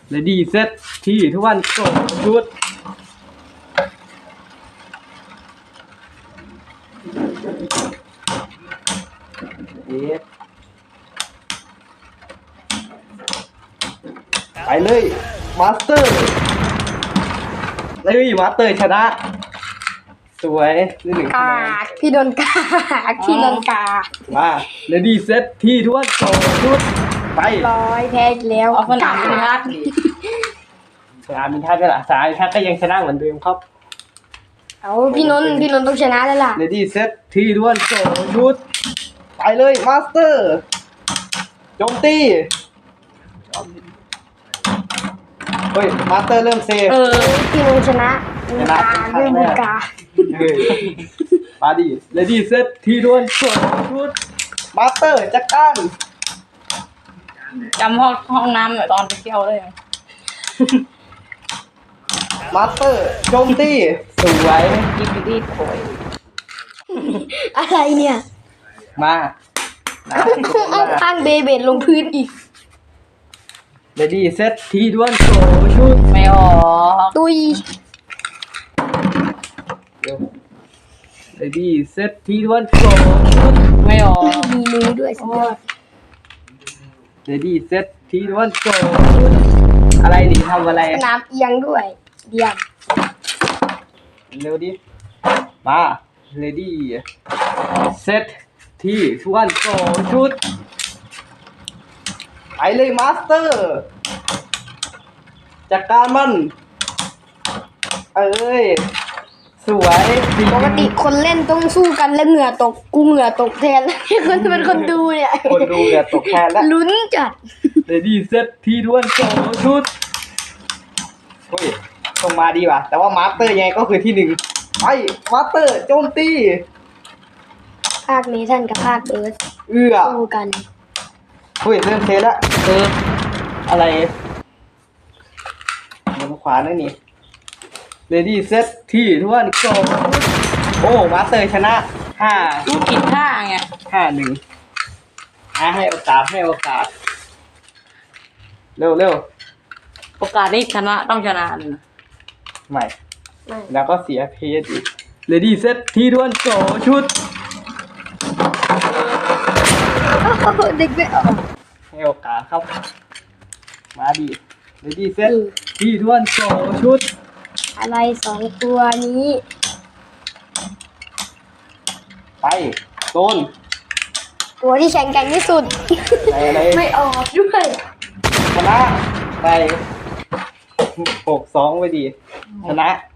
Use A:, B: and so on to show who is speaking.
A: เลดี้เซตที่ทุกวันโกชุดไปเลยมาสเตอร์เลยมาสเตอร์ชนะสวยนี่หนึ่งคะ
B: กา
A: แนน
B: กพี่โดนกากพี่โดนกาก
A: มาเลดี้เซตที่ทุกวันโกชุดไป
B: ร้อยแพ้อีกแล้ว
C: เอาสนามพิทักษ์
A: สนามบินทัศน์ก็ล่ะสนามบินทัศน์ก็ยังชนะเหมือนเดิมครับ
B: เอาพี่นนท์ต้องชนะแล้วล่ะ
A: เลดี้เซตที่ทุกวันโกชุดไปเลยมาสเตอร์โจมตีเฮ้ยมาสเตอร์เริ่มเซฟ
B: พี่นนท์ชนะด้วยมือกา
A: มาดิเลดี้เซตที่ทุกวันโกชุดมาสเตอร์จัดการ
C: จำห้องน้ำเหมือนตอนไปเที่ยวเลย
A: มาสเตอร์โจมตีสวย
C: กินดีโอย
B: อะไรเนี่ย
A: มานะ
B: เอาข้างเบเบดลงพื้นอีก
A: เลดี้เซตที่ทุกวันโกชุด
C: ไม่ออก
B: ตุย
A: เลดี้เซตที่ทุกวันโกชุด
C: ไม่ออก
B: มีมือด้วยสุดยอด
A: เลดี้เซตที่ทุกวันโกชุดอะไรดิทำอะไร
B: สนามเอียงด้วยเดียม
A: เร็วดิมาเลดี้เซตที่ทุกวันโกชุดไปเลยมาสเตอร์จัดการมันเอ้ยสวยจริง
B: ปกติคนเล่นต้องสู้กันแล้วเหงื่อตกกูเหงื่อตกแทนคนเป็นคนดูเนี่ย
A: คนดูเนี่ยตกแทนแล้ว
B: ลุ้นจัด
A: เลดี้เซตที่ทุกวันโกชุดเฮ้ยส่งมาดีว่ะแต่ว่ามาสเตอร์ยังไงก็คือที่หนึ่งไปมาสเตอร์โจมตี
B: ภาคเมทันกับภาคเบิร์ด
A: เอื้อ
B: สู้กัน
A: เฮ้ยเริ่มเทแล้วอะไรเดี๋ยวมาขวานั่นนี่เลดี้เซตที่ทุกวันโกโอ้มาสเตอร์ชนะ
C: ลูกผิดท่าไง
A: 5-1ให้โอกาสเร็ว
C: โอกาสที่ชนะต้องชนะเลยนะ
A: ใหม่
B: ไม่
A: แล้วก็เสียเพจอีกเลดี้เซตที่ทุกวันโกชุด
B: เด็กไม่ออก
A: ให้โอกาสครับมาดิเลดี้เซตที่ทุกวันโกชุด
B: อะไรสองตัวนี้
A: ไปโดน
B: ตัวที่แข็งแกร่งที่สุด
A: อะไร
B: ไม่ออกด้วย
A: ชนะไป6-2ไปดีชนะ